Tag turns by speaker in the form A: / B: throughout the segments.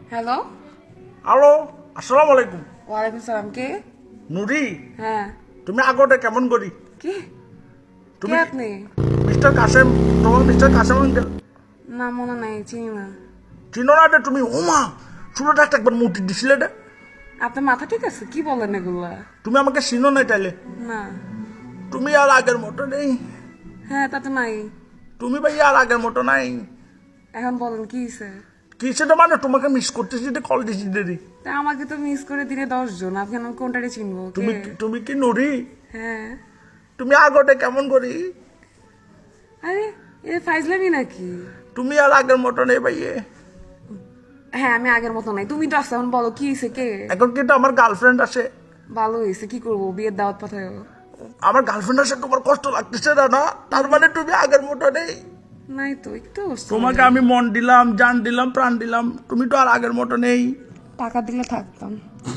A: Hello.
B: Hello, আসসালামু আলাইকুম।
A: ওয়ালাইকুম সালাম। কে?
B: নুরি,
A: হ্যাঁ।
B: তুমি আগোটা কেমন করি?
A: কি?
B: তুমি
A: কে আপনি?
B: মিস্টার কাসেম, তোমার মিস্টার কাসেম আঙ্কেল
A: না মনে নাই, চিনি না।
B: চিনো না এটা? তুমি ওমা চুলোটা একবার মুটি দিছিলে রে।
A: আপনার মাথা ঠিক আছে? কি বলেন এগুলা?
B: তুমি আমাকে চিনো না তাইলে?
A: না।
B: তুমি আর আগের মতো নেই।
A: হ্যাঁ, তা তো নাই।
B: তুমি ভাই আর আগের মতো নাই।
A: এখন বলেন কি হয়েছে?
B: কি সেটা মানে তোমাকে মিস করতেছি, কল দিছি দেরি।
A: তা আমাকে তো মিস করে দিলে 10 জন, আপনি আমি কোনটারে চিনবো?
B: তুমি
A: কে?
B: তুমি কি নুরি?
A: হ্যাঁ।
B: তুমি আগোটা কেমন করি?
A: আরে এ ফাইজলামি নাকি?
B: তুমি আর আগের মতো নেই ভাইয়ে।
A: হ্যাঁ, আমি আগের মতো নাই। তুমি তো আসছো, এখন বলো কি হয়েছে? কে?
B: এখন কিন্তু আমার গার্লফ্রেন্ড আছে।
A: ভালো হয়েছে, কি করবো? বিয়ের দাওয়াত পাঠায়।
B: আমার গার্লফ্রেন্ড আছে, তোমার কষ্ট লাগতেছে না? না তার মানে তুমি আগের মতো নেই।
A: নাই তো, একটু
B: তোমাকে আমি মন দিলাম, জান দিলাম, প্রাণ দিলাম, তুমি তো আর আগের মতো নেই।
A: টাকা দিলে থাকতাম।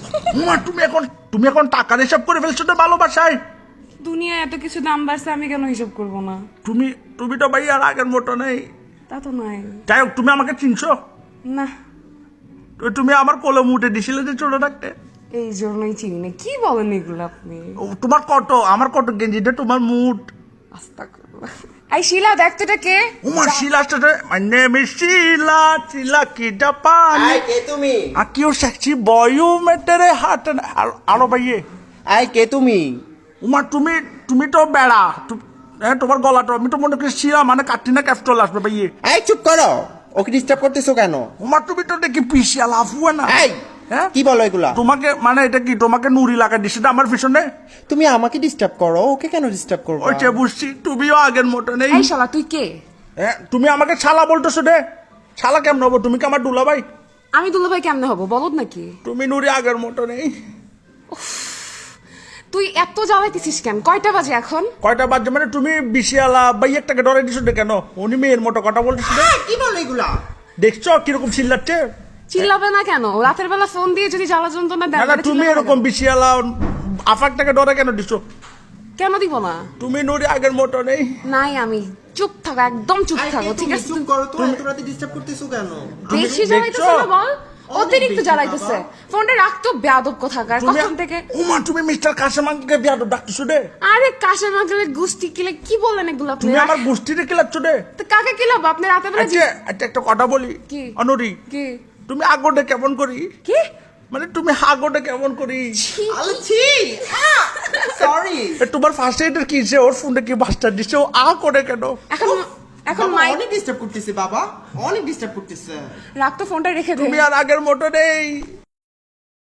B: তুমি এখন টাকার হিসাব করে ফেলছো তো ভালোবাসায়।
A: দুনিয়ায় এত কিছু দাম বাড়ছে, আমি কেন হিসাব করবো না?
B: তুমি তো ভাই আর আগের মতো নেই।
A: তা তো নাই।
B: যাই হোক, তুমি আমাকে চিনছো?
A: না।
B: তুমি আমার কোলে মুটে দিছিলে যে ছোট থাকতে।
A: এই জন্যই চিনি না। কি বলেন এগুলো আপনি?
B: তোমার কত, আমার কত গেঞ্জিটা তোমার মুট।
A: আস্তাগফিরুল্লাহ। এই শিলা, দেখ তো এটা কে?
B: Uma Sheela, my name is Sheela, Sheela কি জাপানি।
C: আই কে তুমি?
B: আকিও সেক্সি বয় মেটেরে হাট। আলো ভাইয়ে।
C: আই কে তুমি?
B: উমা তুমি তো বেড়া। তোমার গলাটা আমি তো মনে করি শিলা মানে কাটরিনা ক্যাফ চলে আসবে ভাইয়ে।
C: এই চুপ করো, ওকে ডিস্টার্ব করতেছো কেন?
B: উমা তুমি তো দেখি পিছিয়ে লাফুয়ে না।
C: এই
B: হ্যাঁ,
C: কি বলো এগুলা?
B: তোমাকে মানে এটা কি তোমাকে নুরি লাগাই দিছে আমার পিছনে?
C: তুমি আমাকে ডিস্টার্ব করো, ওকে কেন ডিস্টার্ব করবো?
B: ওই যে বুঝছি, তুমিও আগের মতো নেই।
A: এই শালা, তুই কে?
B: হ্যাঁ, তুমি আমাকে ছালা বলতেছো রে। ছালা কেমন হবো? তুমি কি আমার দুলা ভাই?
A: আমি দুলাভাই কেমনে হবো? বলদ নাকি?
B: তুমি নুরি আগের মতো নেই।
A: তুই এত জ্বালাইতেছিস কেন? কয়টা বাজে এখন?
B: কয়টা বাজে মানে তুমি বিশিয়ালা ভাই একটাকে ডরাই দিছো রে কেন? উনি মেয়ের মতো কথা বলতেছিল।
C: কি বলো এগুলা?
B: দেখছো কিরকম চিল্লাচ্ছে?
A: চিল্লাবে না কেন? রাতের বেলা ফোন দিয়ে যদি জ্বালা যন্ত্রণা দেয়,
B: না
A: তাহলে
B: তুমি
A: চিল্লাবে না
B: এরকম
A: কেন?
B: বিশিয়ালা আফাকটাকে ডরে কেন দিছো?
A: কেন দিব না?
B: তুমি নুরি আগের মতো নেই।
A: নাই, আমি চুপ থাকো, একদম চুপ থাকো, ঠিক আছে?
C: চুপ করো তো, এত রাতে ডিস্টার্ব করতেছো কেন?
A: বেশি জ্বালাইতেছে না বল? অতিরিক্ত জ্বালাইতেছে। ফোনটা রাখতো, বেয়াদব কোথাকার। কখন থেকে?
B: উমা তুমি মিস্টার কাসেম আঙ্কেলকে বিয়াদব ডাকতেছো রে।
A: আরে কাশেম আঙ্কেলের গুষ্টি কিলে কি বলেন এগুলো আপনি?
B: তুমি আমার গোষ্ঠীতে কিলাচ্ছ রে।
A: তো কাকে কিলাবো? আপনি রাতের বেলা
B: আচ্ছা একটা কথা বলি।
A: কি?
B: অনুরি,
A: কি?
B: তুমি আগোটা কেমন করি?
A: কি?
B: মানে তুমি আগোটা কেমন করি?
C: আলছি সরি।
B: তোমার ফার্স্ট এইডের কি যে ওর ফোনে কি বাস্টার দিচ্ছে, ও করে কেন?
A: এখন মাইক
C: অনেক ডিস্টার্ব করতেছে বাবা, অনেক ডিস্টার্ব করতেছে।
A: রাখ তো, ফোনটা রেখে দে।
B: তুমি আর আগের মতো নেই।